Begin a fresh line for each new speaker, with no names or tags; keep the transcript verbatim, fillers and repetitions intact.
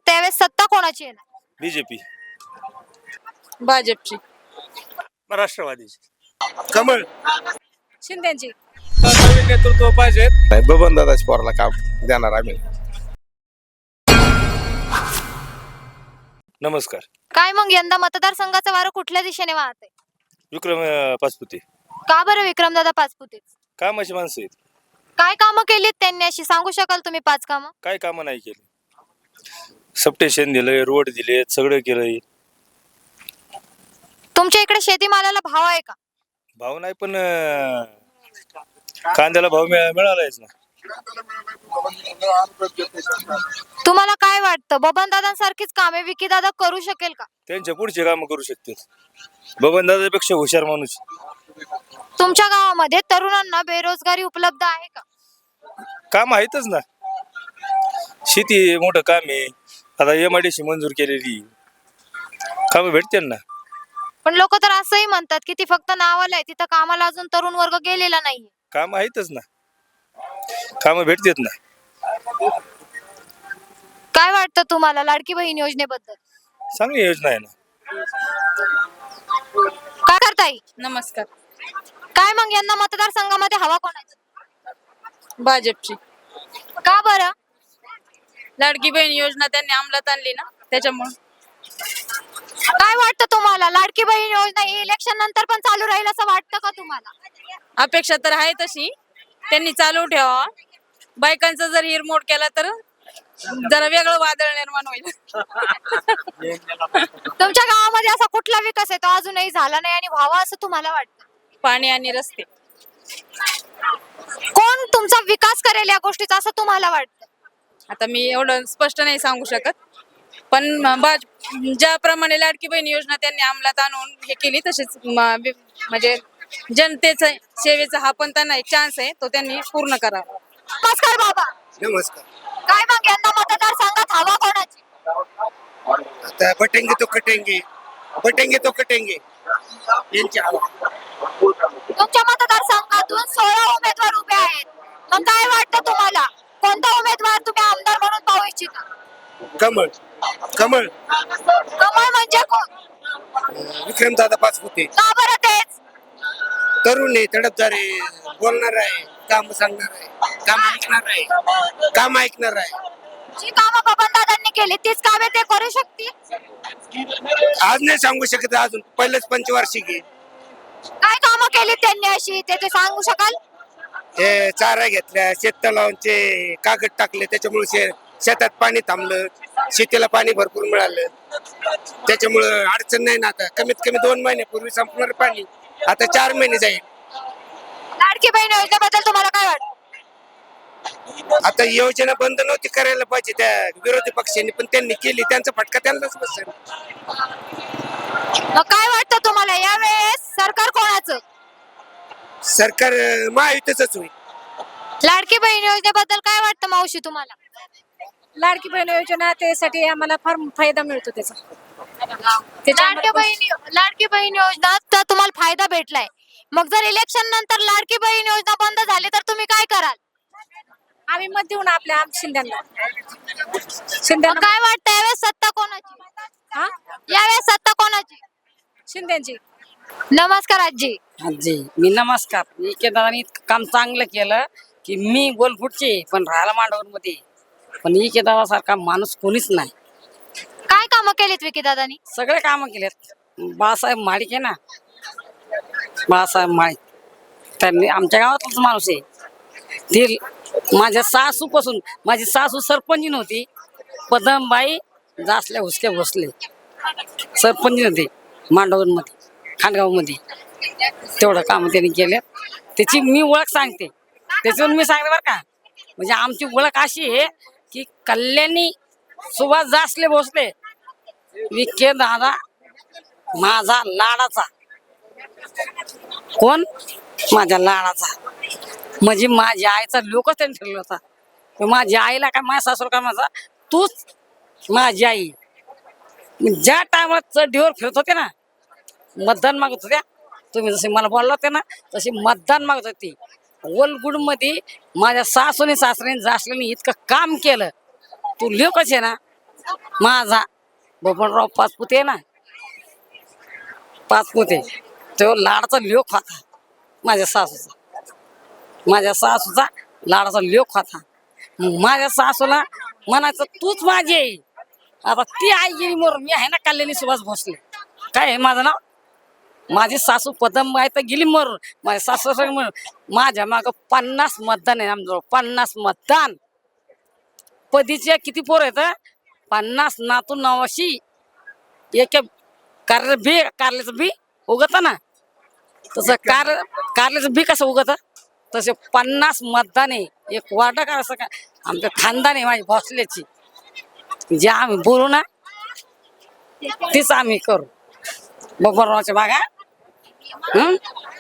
वाटतं यावेळेस सत्ता कोणाची येणार?
बीजेपी,
भाजपची,
राष्ट्रवादीची, कमळ.
शिंदेची.
नवीन नेतृत्व पाहिजे.
बबन दादाच पोराला काम देणार आम्ही.
नमस्कार.
काय मग यंदा मतदारसंघाचं वारं कुठल्या दिशेने वाहत आहे?
विक्रम अं, पाचपुते.
का बरं विक्रमदादा पाचपुते?
कामाची माणसं आहेत.
काय कामं केलीत त्यांनी अशी सांगू शकाल तुम्ही पाच कामं?
काय कामं नाही केली. सबस्टेशन दिलंय, रोड दिले, सगळं केलंय.
तुमच्या इकडे शेतीमालाला भाव आहे का?
भाव नाही पण अं, कांद्याला भाव मिळा- मिळालायच ना.
तुम्हाला काय वाटतं बबनदादांसारखीच कामे विकीदादा करू शकेल का?
त्यांच्या पुढचे कामं करू शकतात. बबन दादापेक्षा हुशार माणूस.
तुमच्या गावामध्ये तरुणांना बेरोजगारी उपलब्ध आहे का?
काम आहेतच ना. शेती मोठं काम आहे. आता एम आय डी सी मंजूर केलेली कामं भेटतील ना.
पण लोक तर असंही म्हणतात की ती फक्त नावाला आहे, तिथं कामाला अजून तरुण वर्ग गेलेला नाहीये.
काम आहेतच ना. कामं भेटतात ना.
काय वाटतं तुम्हाला लाडकी बहीण योजनेबद्दल?
चांगली योजना आहे ना.
काय करताय?
नमस्कार.
काय मग यंदा मतदारसंघामध्ये हवा कोणाची?
भाजपची.
का बरं?
लाडकी बहीण योजना त्यांनी अंमलात आणली ना, त्याच्यामुळे.
काय वाटतं तुम्हाला लाडकी बहीण योजना ही इलेक्शन नंतर पण चालू राहील असं वाटतं का तुम्हाला?
अपेक्षा तर आहे तशी, त्यांनी चालू ठेवा. बायकांचा जर हिरमोड केला तर जरा वेगळं वादळ निर्माण होईल.
तुमच्या गावामध्ये असा कुठला विकास आहे तो अजूनही झाला नाही आणि व्हावा असं तुम्हाला वाटतं?
पाणी आणि रस्ते.
कोण तुमचा विकास करेल या गोष्टीचा असं तुम्हाला वाटतं?
आता मी एवढं स्पष्ट नाही सांगू शकत, पण भाज ज्याप्रमाणे लाडकी बहीण योजना त्यांनी अंमलात आणून हे केली तशीच म- वि- म्हणजे जनतेचा सेवेचा हा पण त्यांना एक चान्स आहे, तो त्यांनी पूर्ण करावा.
नमस्कार बाबा.
नमस्कार.
काय मग यंदा मतदारसंघात हवा कोणाची?
आता बटेंगे तो कटेंगे, बटेंगे तो कटेंगे यांची हवा.
तुमच्या मतदारसंघातून सोळा उमेदवार उभे आहेत. मग काय वाटतं तुम्हाला कोणता उमेदवार तुम्ही आमदार म्हणून पाहू इच्छिता?
कमळ, कमळ.
कमळ म्हणजे कोण?
विक्रम दादा पाचपुते.
का बरं तेच?
तरुण आहे, तडफदार आहे, बोलणार आहे, काम सांगणार आहे, काम ऐकणार आहे, काम ऐकणार आहे.
जी कामं बबनदादांनी केली तीच कामे ते करू शकतील?
आज नाही सांगू शकत, अजून पहिलेच पंचवार्षिक आहे.
काय कामं केली त्यांनी अशी ते ते सांगू शकाल?
ते चारा घेतल्या, शेततलावांचे कागद टाकले, त्याच्यामुळे शे शेतात पाणी थांबलं, शेतीला पाणी भरपूर मिळालं. त्याच्यामुळं अडचण नाही ना. आता कमीत कमी दोन महिन्यापूर्वी संपणार पाणी, आता चार महिने जाईल.
लाडकी बहीण योजनेबद्दल तुम्हाला काय वाटतं?
आता योजना बंद नव्हती करायला पाहिजे त्या विरोधी पक्षांनी, पण त्यांनी केली, त्यांचा फटका त्यांनाच बसेल.
मग काय वाटतं तुम्हाला यावेळेस सरकार कोणाचं?
सरकार अं, महायुतीचंच होईल.
लाडकी बहीण योजनेबद्दल काय वाटतं मावशी तुम्हाला?
लाडकी बहीण योजना त्यासाठी आम्हाला फार फायदा मिळतो त्याचा.
लाडकी बहीण लाडकी बहीण योजना तर तुम्हाला फायदा भेटलाय. मग जर इलेक्शन नंतर लाडकी बहीण योजना बंद झाली तर तुम्ही काय कराल?
आम्ही मत देऊ ना आपल्या शिंद्यांना.
मग काय वाटतं यावेळेस सत्ता कोणाची?
हा,
यावेळेस सत्ता कोणाची?
शिंद्यांची.
नमस्कार आजी.
आजी मी नमस्कार. इकेदारांनी इतकं काम चांगलं केलं की मी गोलफुटचे पण राहायला मांडवरमध्ये, पण इकेदारासारखा माणूस कोणीच नाही.
काय कामं केलीत विकी दादानी?
सगळे कामं केलेत. बाळासाहेब माळिक आहे ना, बाळासाहेब माळिक, त्यांनी आमच्या गावातलाच माणूस आहे. ती माझ्या सासूपासून, माझी सासू सरपंच नव्हती, पदमबाई जासल्या हुसके भोसले सरपंच होते मांडवरमध्ये, खांडगावमध्ये. तेवढं काम त्यांनी केलं, त्याची मी ओळख सांगते. त्याच्यावरून मी सांगते बरं का, म्हणजे आमची ओळख अशी आहे की कल्याणी सुभाष जासले भोसले, विखे दादा माझा लाडाचा. कोण? माझ्या लाडाचा. म्हणजे माझ्या आईचा लोकच त्यांनी ठरला होता. माझ्या आईला काय, माझ्या सासूला काय, माझा तूच माझी आई. ज्या टायमात चढीवर फिरत होते ना, मतदान मागत होत्या, तुम्ही जसे मला बोलला होते ना तशी मतदान मागत होती. वलगुडमध्ये माझ्या सासूने सासऱ्याने जासल्याने इतकं काम केलं. तू लेकच आहे ना, माझा बबनराव पाचपुते ना पाचपुते तो लाडाचा लोक होता माझ्या सासूचा माझ्या सासूचा लाडाचा लोक होता. मग माझ्या सासूला म्हणायचं तूच माझी आई. आता ती आई गेली मरून मी आहे ना कल्याणी सुभाष भोसले. काय आहे माझं नाव. माझी सासू पदमबाई तर गेली मरून. माझ्या सासू म्हणून माझ्या मागं पन्नास मतदान आहे आमच्याजवळ. पन्नास मतदान. पदीचे किती पोर आहेत. पन्नास नातू नवाशी एक कारले बी कारल्याचं बी उगत ना तसं कार कारल्याचं बी कसं उगत तसे पन्नास मतदान आहे. एक वार्ड का असं काय आमचं खानदान आहे माझी भोसल्याची. जे आम्ही बोलू ना तीच आम्ही करू. बबनरावच्या बागा हं